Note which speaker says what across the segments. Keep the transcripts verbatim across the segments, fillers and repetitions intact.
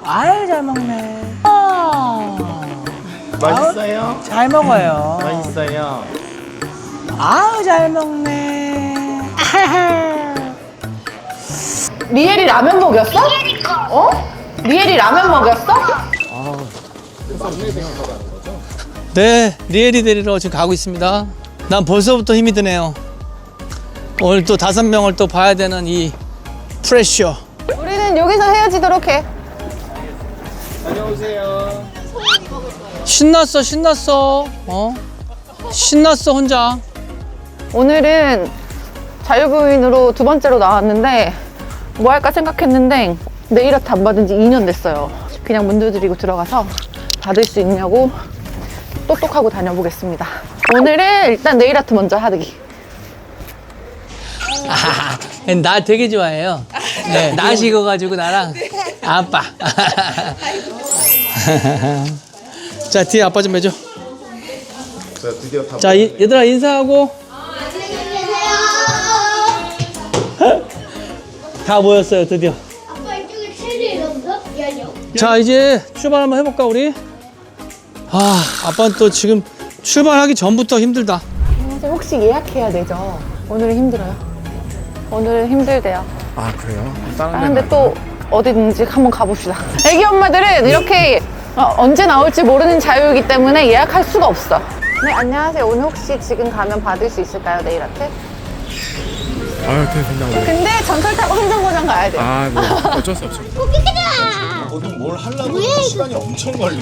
Speaker 1: 아유, 잘 먹네. 아,
Speaker 2: 맛있어요?
Speaker 1: 아유, 잘 먹어요.
Speaker 2: 맛있어요.
Speaker 1: 아유, 잘 먹네.
Speaker 3: 리엘이 라면 먹였어? 어? 리엘이 라면 먹였어?
Speaker 4: 네, 리엘이 데리러 지금 가고 있습니다. 난 벌써부터 힘이 드네요. 오늘 또 다섯 명을 또 봐야 되는 이 프레셔.
Speaker 3: 우리는 여기서 헤어지도록 해.
Speaker 2: 다녀오세요.
Speaker 4: 신났어, 신났어. 어? 신났어, 혼자.
Speaker 3: 오늘은 자유부인으로 두 번째로 나왔는데 뭐 할까 생각했는데 네일 아트 안 받은 지 이 년 됐어요. 그냥 문 두드리고 들어가서 받을 수 있냐고 똑똑하고 다녀보겠습니다. 오늘은 일단 네일 아트 먼저 하기.
Speaker 4: 아, 나 되게 좋아해요. 네, 나 식어가지고 나랑 아빠. 자, 뒤에 아빠 좀 해줘.
Speaker 2: 자, 드디어 다.
Speaker 4: 자, 이, 얘들아 인사하고. 다 모였어요, 드디어.
Speaker 5: 아빠 이쪽에 체리 넣었어? 미안해요.
Speaker 4: 자, 이제 출발 한번 해볼까, 우리? 아, 아빠는 또 지금 출발하기 전부터 힘들다.
Speaker 3: 선생님 혹시 예약해야 되죠? 오늘은 힘들어요. 오늘은 힘들대요.
Speaker 2: 아, 그래요?
Speaker 3: 아, 근데 또 어디든지 한번 가봅시다. 애기 엄마들은 이렇게 어, 언제 나올지 모르는 자유이기 때문에 예약할 수가 없어. 네, 안녕하세요. 오늘 혹시 지금 가면 받을 수 있을까요, 네일 아트?
Speaker 6: 아, 그래 된다고.
Speaker 3: 근데 전철 타고 행정고장 가야 돼요.
Speaker 6: 아, 뭐 어쩔 수 없죠.
Speaker 2: 거기 뭘 하려고 시간이 엄청 걸려.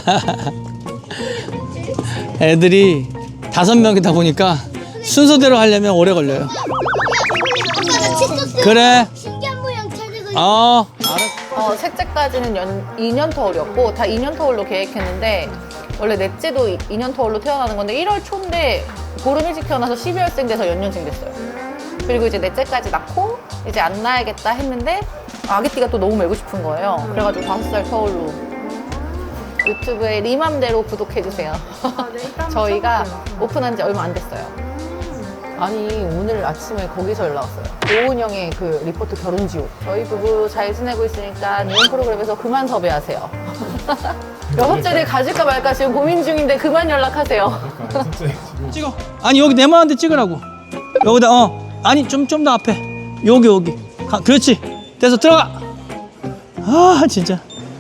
Speaker 4: 애들이 다섯 명이다 보니까 순서대로 하려면 오래 걸려요.
Speaker 5: 아까 나 칫솔
Speaker 4: 그래.
Speaker 5: 신기한 모양 찾고 있어.
Speaker 4: 어.
Speaker 3: 어, 셋째까지는 연, 이 년 터울이었고 다 이 년 터울로 계획했는데 원래 넷째도 이 년 터울로 태어나는 건데 일월 초인데 보름 일찍 태어나서 십이월생 돼서 연년생 됐어요. 그리고 이제 넷째까지 낳고 이제 안 낳아야겠다 했는데 아기띠가 또 너무 메고 싶은 거예요. 그래가지고 다섯 살 터울로 유튜브에 리맘대로 구독해주세요. 저희가 오픈한 지 얼마 안 됐어요. 아니 오늘 아침에 거기서 연락 왔어요. 오은 형의 그 리포트 결혼 지옥. 저희 부부 잘 지내고 있으니까 이혼 프로그램에서 그만 섭외하세요. 여섯째를 가질까 말까 지금 고민 중인데 그만 연락하세요.
Speaker 4: 찍어. 아니 여기 네모한데 찍으라고. 여기다 어. 아니 좀 좀 더 앞에. 여기 여기. 가, 그렇지. 돼서 들어가. 아 진짜.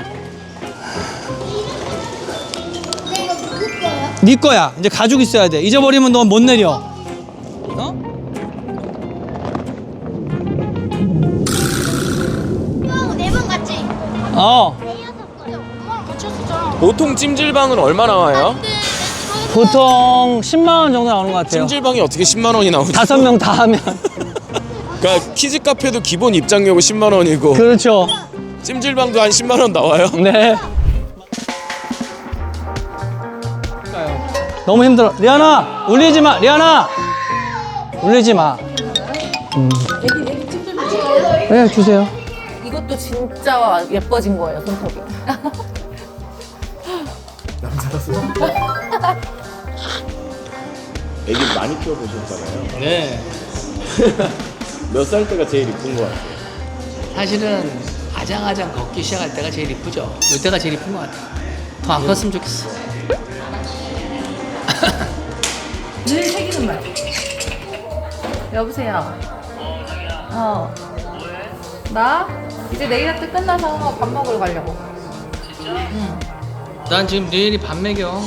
Speaker 5: 근데 이거 누구 거야?
Speaker 4: 네 거야. 이제 가지고 있어야 돼. 잊어버리면 넌 못 내려. 어?
Speaker 5: 형하고 네 번 같이.
Speaker 4: 어.
Speaker 5: 대여섯 번. 엄마랑 같이 했었잖아.
Speaker 6: 보통 찜질방은 얼마 나와요?
Speaker 4: 보통 십만 원 정도 나오는 것 같아요.
Speaker 6: 찜질방이 어떻게 십만 원이 나오지?
Speaker 4: 다섯 명 다 하면.
Speaker 6: 그러니까 키즈 카페도 기본 입장료가 십만 원이고
Speaker 4: 그렇죠.
Speaker 6: 찜질방도 한 십만 원 나와요?
Speaker 4: 네. 너무 힘들어. 리안아, 울리지 마. 리안아, 울리지 마. 음. 네, 주세요.
Speaker 3: 이것도 진짜 예뻐진 거예요, 손톱이.
Speaker 2: 애기 많이 키워보셨잖아요.
Speaker 4: 네.
Speaker 2: 몇 살 때가 제일 이쁜 것 같아요?
Speaker 4: 사실은 아장아장 걷기 시작할 때가 제일 이쁘죠. 이때가 제일 이쁜 것 같아. 더 안 컸으면 좋겠어.
Speaker 3: 늘 새기는 말. 여보세요. 어. 나 이제 내일 아트 끝나서 밥 먹으러 가려고.
Speaker 4: 난 지금 내일이 밥 먹여.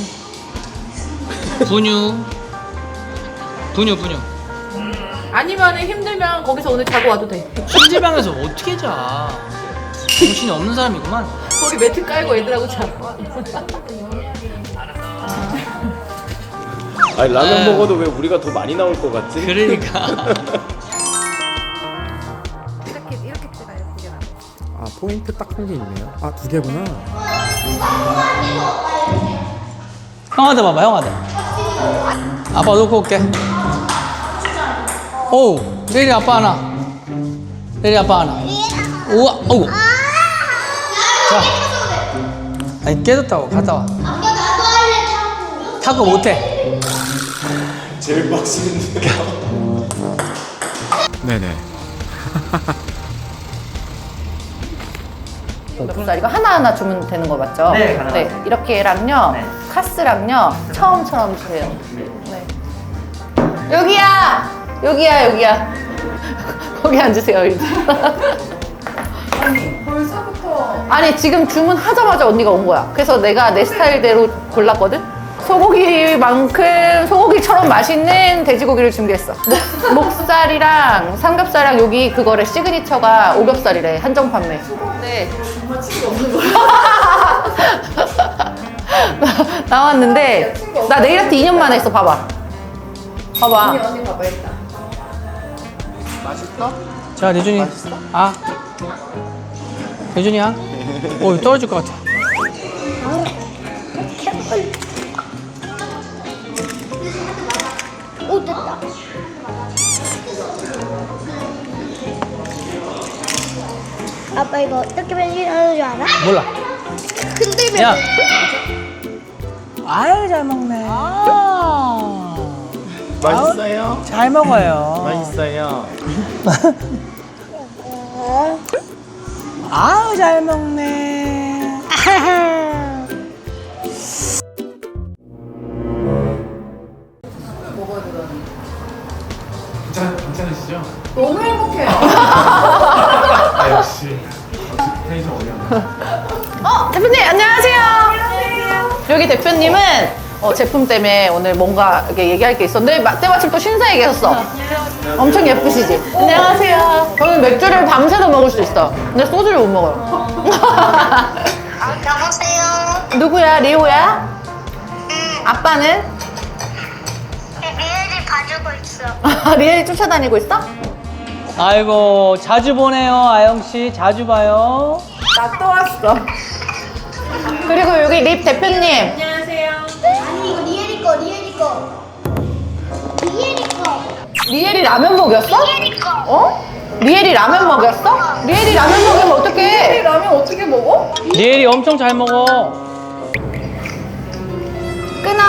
Speaker 4: 분유. 분유, 분유.
Speaker 3: 아니면 힘들면 거기서 오늘 자고 와도 돼.
Speaker 4: 찜질방에서 어떻게 자? 정신이 없는 사람이구만.
Speaker 3: 거기 매트 깔고 애들하고 자.
Speaker 2: 아니 라면
Speaker 4: 네.
Speaker 2: 먹어도 왜 우리가 더 많이 나올 것 같지?
Speaker 4: 그러니까.
Speaker 3: 이렇게 이렇게 찍어요. 이게 나.
Speaker 6: 아, 포인트 딱 한 개 있네요. 아, 두 개구나.
Speaker 4: 형한테 봐봐, 형한테. 아빠 놓고 올게. 오, 내일이 아빠 하나. 내일이 아빠 하나. 우와, 어우. 자. 아니, 깨졌다고. 갔다 와.
Speaker 5: 아빠 나도 할래 타고.
Speaker 4: 타고 못해.
Speaker 2: 제일 빡치는데요.
Speaker 6: 네네.
Speaker 3: 목살 이거 하나하나 주면 되는 거 맞죠?
Speaker 1: 네, 가능하세요.
Speaker 3: 네, 이렇게랑요,
Speaker 1: 네.
Speaker 3: 카스랑요, 처음처럼 주세요. 네. 여기야! 여기야, 여기야. 거기 앉으세요, 이제. 아니, 벌써부터. 아니, 지금 주문하자마자 언니가 온 거야. 그래서 내가 내 스타일대로 골랐거든? 소고기만큼 소고기처럼 맛있는 돼지고기를 준비했어. 목, 목살이랑 삼겹살이랑 여기 그거래, 시그니처가 오겹살이래, 한정 판매. 네. 정말 친구 없는 거야. 나왔는데, 나 네일아트 이 년 만에 했어, 봐봐. 봐봐. 언니, 언니 봐봐, 일단.
Speaker 2: 맛있어?
Speaker 4: 자, 대준이. 아. 대준이야. 오, 떨어질 것 같아.
Speaker 5: 오, 됐다. 아빠 이거 어떻게 변신하는 줄 알아?
Speaker 4: 몰라.
Speaker 5: 흔들면
Speaker 4: 야.
Speaker 1: 아유, 잘 먹네. 아,
Speaker 2: 맛있어요?
Speaker 1: 잘 먹어요.
Speaker 2: 맛있어요.
Speaker 1: 아유, 잘 먹네.
Speaker 7: 괜찮, 괜찮으시죠?
Speaker 3: 너무 행복해요.
Speaker 7: 아, 역시 텐션 어려워.
Speaker 3: 어, 대표님, 안녕하세요. 안녕하세요. 여기 대표님은 어, 제품 때문에 오늘 뭔가 이렇게 얘기할 게 있었는데, 마- 때마침 또 신사에 계셨어. 엄청 예쁘시지? 안녕하세요. 저는 맥주를 밤새도 먹을 수 있어. 근데 소주를 못 먹어요.
Speaker 5: 아, 여보세요?
Speaker 3: 누구야? 리오야? 아빠는?
Speaker 5: 리엘이 봐주고 있어.
Speaker 3: 리엘이 쫓아다니고 있어?
Speaker 4: 아이고, 자주 보네요, 아영씨. 자주 봐요.
Speaker 3: 나 또 왔어. 그리고 여기 립 대표님.
Speaker 5: 아니 이거 리엘이 거, 리엘이 거. 리엘이 거.
Speaker 3: 리엘이 라면 먹였어?
Speaker 5: 리엘이 거.
Speaker 3: 어? 리엘이 라면 먹였어? 리엘이 라면 먹으면 어떡해? 리엘이 라면 어떻게 먹어?
Speaker 4: 리엘이 엄청 잘 먹어.
Speaker 3: 끊어.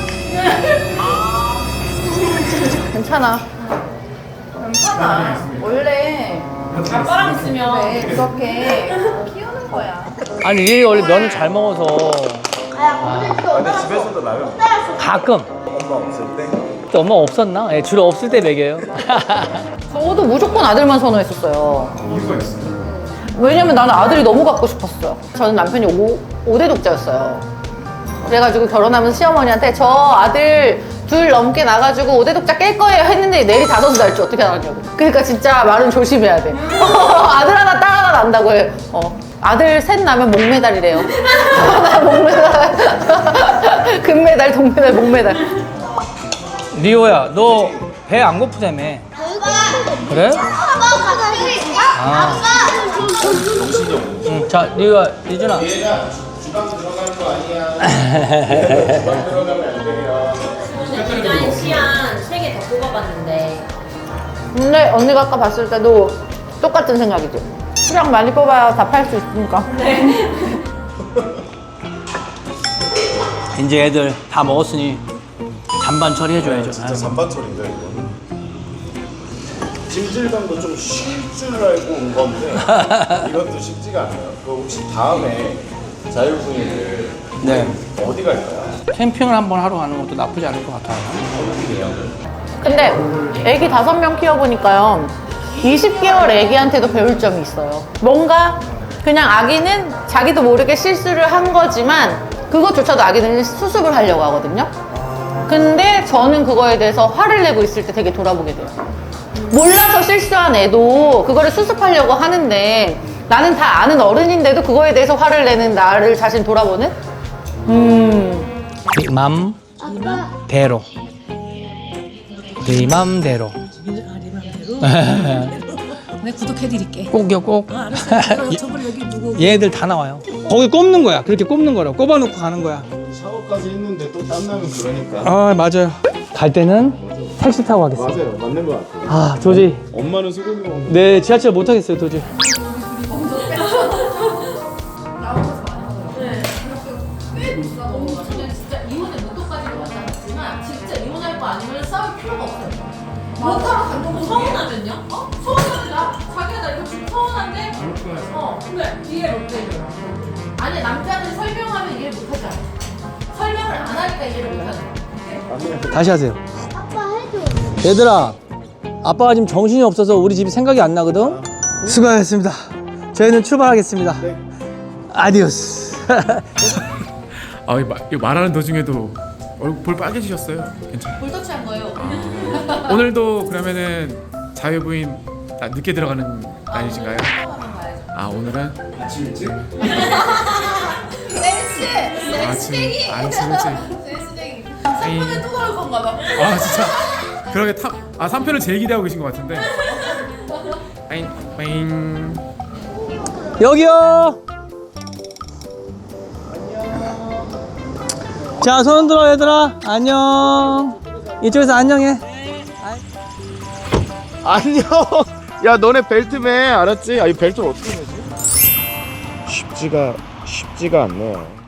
Speaker 3: 괜찮아. 괜찮아. 원래 아빠랑 있으면 그렇게 키우는 거야.
Speaker 4: 아니, 리엘이 원래 면을 잘 먹어서.
Speaker 5: 아, 오늘 또
Speaker 2: 근데 집에서도 라면
Speaker 4: 가끔.
Speaker 2: 엄마 없을 때?
Speaker 4: 또 엄마 없었나? 예, 주로 없을 때 먹여요.
Speaker 3: 저도 무조건 아들만 선호했었어요.
Speaker 7: 이유가 있어요.
Speaker 3: 왜냐면 나는 아들이 너무 갖고 싶었어요. 저는 남편이 오, 오대 독자였어요. 그래가지고 결혼하면서 시어머니한테 저 아들 둘 넘게 나가지고 오대 독자 깰 거예요 했는데 내일이 다섯이 날 줄 어떻게 알았냐고. 그러니까 진짜 말은 조심해야 돼. 아들 하나 딸 하나 난다고 해. 어. 아들 셋 나면 목메달이래요. 나 목메달. 금메달, 동메달, 목메달.
Speaker 4: 리오야, 너 배 안 고프다며. 그래?
Speaker 5: 아빠 갑자기
Speaker 4: 아.
Speaker 5: 아빠
Speaker 4: 응, 자, 리오야, 리준아.
Speaker 2: 주방 들어갈 거 아니야. 주방 들어가면 안 돼요.
Speaker 8: 디자인 시안 세 개 더 뽑아봤는데
Speaker 3: 근데 언니가 아까 봤을 때도 똑같은 생각이지. 수량 많이 뽑아야 다 팔 수 있으니까.
Speaker 4: 이제 애들 다 먹었으니 잔반 처리해줘야죠.
Speaker 2: 진짜 잔반철인데 이거는. 찜질방도 좀 쉴 줄 알고 온 건데 이것도 쉽지가 않아요. 그 혹시 다음에 자유분이들
Speaker 4: 네.
Speaker 2: 어디 갈까요?
Speaker 4: 캠핑을 한번 하러 가는 것도 나쁘지 않을 것 같아요.
Speaker 3: 근데 애기 다섯 명 키워보니까요. 이십 개월 애기한테도 배울 점이 있어요. 뭔가 그냥 아기는 자기도 모르게 실수를 한 거지만 그것조차도 아기는 수습을 하려고 하거든요. 근데 저는 그거에 대해서 화를 내고 있을 때 되게 돌아보게 돼요. 몰라서 실수한 애도 그거를 수습하려고 하는데 나는 다 아는 어른인데도 그거에 대해서 화를 내는 나를 자신 돌아보는? 음.
Speaker 4: 네 맘대로. 네 맘대로.
Speaker 9: 내 구독해드릴게.
Speaker 4: 꼭요, 꼭.
Speaker 9: 어, 알았어. 저번에 여기 누구?
Speaker 4: 얘들 다 나와요. 거기 꼽는 거야. 그렇게 꼽는 거라. 꼽아놓고 가는 거야.
Speaker 2: 샤워까지 했는데 또 땀나면 그러니까.
Speaker 4: 아, 맞아요. 갈 때는 택시 타고 가겠어요.
Speaker 2: 맞아요. 맞는 것 같아요.
Speaker 4: 아, 도저히.
Speaker 2: 엄마는 소고기 먹는데.
Speaker 4: 네, 지하철 못 타겠어요, 도저히.
Speaker 8: 진짜 이혼의 목표까지도 마찬가지지만 진짜 이혼할 거 아니면 싸울 필요가 없어요. 못하러 간다고 서운하면요? 어? 서운하지 나? 자기가 나 이거 지금 서운한데? 어 근데 이해 못해요. 아니 남자는 설명하면 이해 못하잖아. 설명을 안 하니까 이해를 못하는 거야.
Speaker 4: 다시 하세요.
Speaker 5: 아빠 해줘.
Speaker 4: 얘들아, 아빠가 지금 정신이 없어서 우리 집이 생각이 안 나거든? 수고하셨습니다. 저희는 출발하겠습니다. 아디오스.
Speaker 7: 아, 이거 마- 이거 말하는 도중에도 얼굴 볼 빨개지셨어요. 괜찮아요.
Speaker 8: 볼터치한 거예요.
Speaker 7: 오늘도 그러면은 자유부인 나- 늦게 들어가는 날이신가요?
Speaker 8: 한번 가야죠.
Speaker 7: 아, 오늘은
Speaker 2: 아침 일찍?
Speaker 8: 센스!
Speaker 7: 아침 아침 일찍.
Speaker 8: 센스쟁이. 삼 분에 또 나올 건가 봐.
Speaker 7: 아, 진짜. 그러게 탑. 아, 삼 편을 제일 기대하고 계신 것 같은데. 빠잉 빠잉.
Speaker 4: 여기요! 자, 손 들어, 얘들아. 안녕. 이쪽에서 안녕해.
Speaker 2: 안녕. 야 너네 벨트 매 알았지? 아 이 벨트를 어떻게 매지? 쉽지가 쉽지가 않네요.